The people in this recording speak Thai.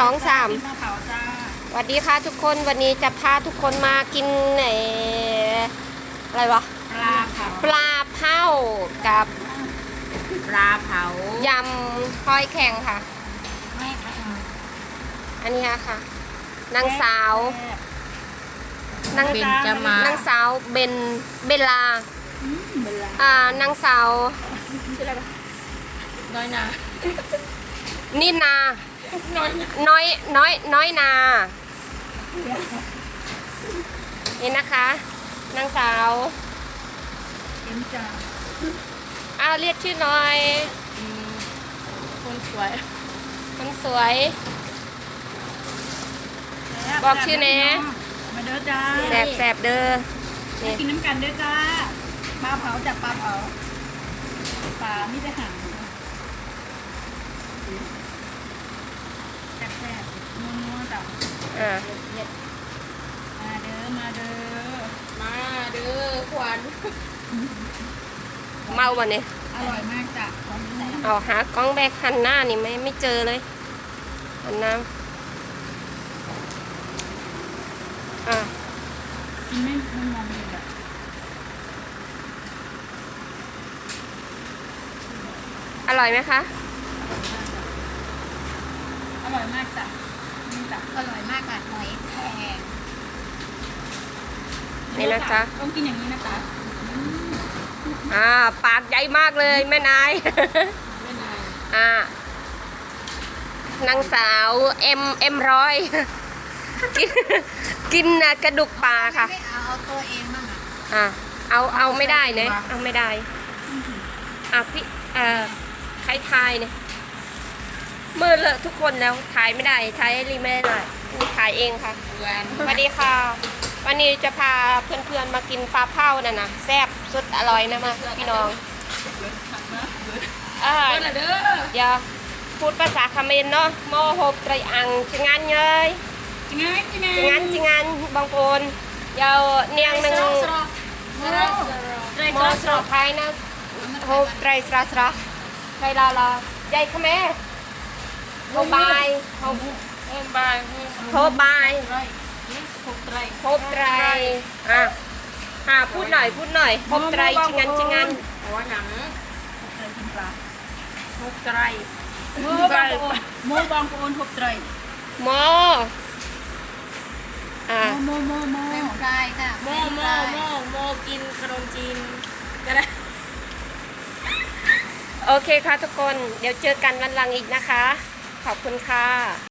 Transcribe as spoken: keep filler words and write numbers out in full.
องสามมะพร้าวจ้าสวัสดีค่ะทุกคนวันนี้จะพาทุกคนมากินไหนอะไรวะปลาเผาปลาเผากับปลาเผายำหอยแข็งค่ะไม่ไม่อันนี้ค่ะนางสาวนางเบนจะมานางสาวเบนเบลลาเวลาอ่านางสาวน้อยนะนินาน้อยนะน้อยน้อยน้อยนานี่นะคะนางสาวเอ็มจ้าอ้าวเรียกชื่อหน่อยอืมคนสวยคนสวย บอกชื่อแน่มาเด้อจ้าแสบแสบเด้อมานี่กินน้ำกันเด้อจ้าปลาเผาจับปลาเผาปลาไม่ได้ห่างแซ่บๆนัวๆจ้ะอ่ามาเด้อมาเด้อมาเด้อขวัญเมาบ่เนี่ยอร่อยมากจ้ะของที่ไหนเอาหากล้องแบกหันหน้านี่ไม่ไม่เจอเลยหันหน้าอ่ากินไม่ไม่มองเลยอ่ะอร่อยไหมคะอร่อยมากจ้ะนี่จ้ะอร่อยมากค่ะหอยแครงนี่นะจ๊ะต้องกินอย่างนี้นะจ๊ะอ่าปากใหญ่มากเลยแม่นายไม่นานอ่า นางสาวเอ็มเอ็มร้อย กินกินน่ะกระดูกปลาค่ะไม่เอาเอาตัวเองบ้างอ่ะอ่าเอาเอาไม่ได้เนี่ยเอาไม่ได้ อ่ะพี่เอ่อใครทายเนี่ยมือเลอะทุกคนแล้วถ่ายไม่ได้ถ่ายให้รีไม่ได้หน่อยนี่ถ่ายเองค่ะหวานสวัสดีค่ะ วันนี้จะพาเพื่อนๆมากินปลาเผาน่ะนะแซ่บสุดอร่อยนะมาพี่น้องเบิร์ดขันนะเบิร์ดอ่าเบิร์ดละเด้ออย่าพูดภาษาเขมรเนาะโมโหบไตรอังจิงานเยยจริงไงจริงไงจิงานจิงานบางคนยาวเนียงหนึ่งสรอสรอสรอโมสระไทยนะโหบไตรสระสระไทยลาลาใหญ่เขมรโฮบายโฮบโอ้บายโฮบายไรหกไตรโฮบไตรอ่ะอ่ะพูดหน่อยพูดหน่อยโฮบไตรจิงานจิงานหัวหนังหกไตรกินปลาหกไตรโมบางโอนโมบางโอนหกไตรโมอ่ะโมโมโมเป็นฟรายค่ะโมโมโมโมกินขนมจีนก็ได้โอเคค่ะทุกคน เดี๋ยวเจอกันวันหลังอีกนะคะ ขอบคุณค่ะ